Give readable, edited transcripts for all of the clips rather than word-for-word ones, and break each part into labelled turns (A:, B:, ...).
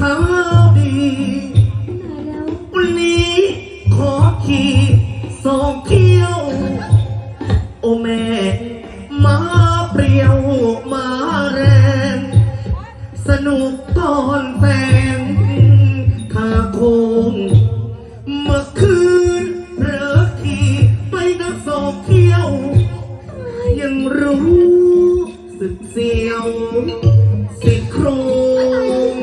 A: ข่าวดีวันนี้ขอขี่สองเที่ยวโอแม่มาเปรี้ยวมาแรงสนุกตอนแฟงขาโคงเมื่อคืนเผลอขี่ไปนักสองเที่ยวยังรู้สึกเสียวสิโครง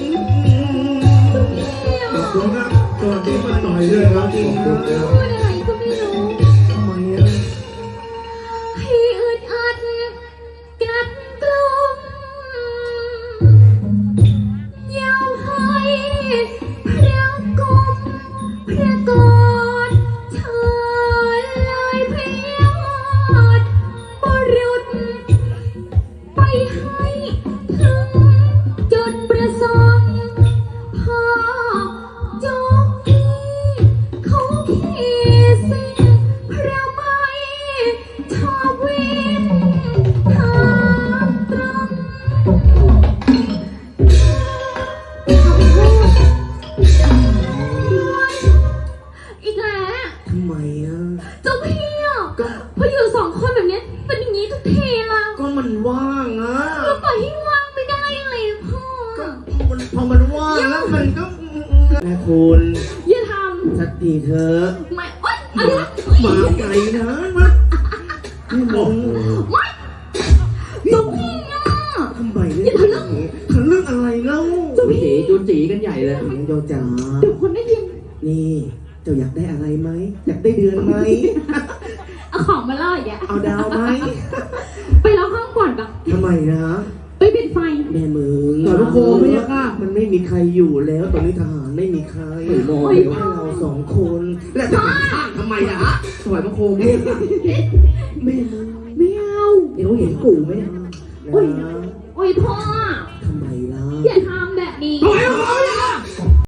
A: ขอบคุณครับสวัสดีมาหน่อยด้วยครับขอบคุณครับ
B: พูดอะไรก็ไม่รู้
A: ทำไมอ่ะ
B: ให้อึดอัดกัดกลุ่มยาวให้พระกรมพระกอดเชิญเลยพระยอดบรุษไปให้ถึงจุดประสงค์พ่อจงพี่เขาขี่สิ่งพระไม่ชอบวิ่งทางตรงคำพูดอีกแล้ว
A: ทำไมอ่ะ
B: เจ้าพี่อ่ะพออยู่สองคนแบบนี้เป็นอย่างนี้ทุกทีละ
A: ก็มันว่างอ่ะ
B: ก็ปล่อยให้ว่างไม่ได้ยังไงพ่อ
A: ก็มันพอมันว่างแล้วมันก็แม่คุณ
B: อย่าท
A: สักทีเถอะ
B: ำไม่โอ๊ยอะไรนะ
A: มาไกลนะมาพี่มอง
B: ไม่เจ้าพี่อ่ะ
A: ทำไมเนี่ยทะลึ่งอะไรเล่า
C: จุจีจุจีกันใหญ่เลย
A: น้องโยจ๋า
B: เดี๋ยวคนได้ยิน
A: นี่เจ้าอยากได้อะไรไหมอยากได้เดือนไหม
B: เอาของมาล่ออีกอ่ะ
A: เอาดาวไหม
B: ไปล็อกห้องก่อนปะ
A: ทำไมนะ
B: ไปปิดไฟ
A: แม่มึง
C: ต่อลูกโคไม่ใช่ค่ะ
A: มันไม่มีใครอยู่แล้วตอนนี้ทหารไม่มีใคร
C: ไม่มอง
A: เหลือให้เราสองคนแล้วจะเป็นข้างทำไมล่ะ
C: สวยพระโคมเนี่ย
A: แม่มึง
B: ไม่เอา
C: เดี๋ยวเห็นกูไหมเนี่ย
A: นะ
B: โอ้ยพ่อ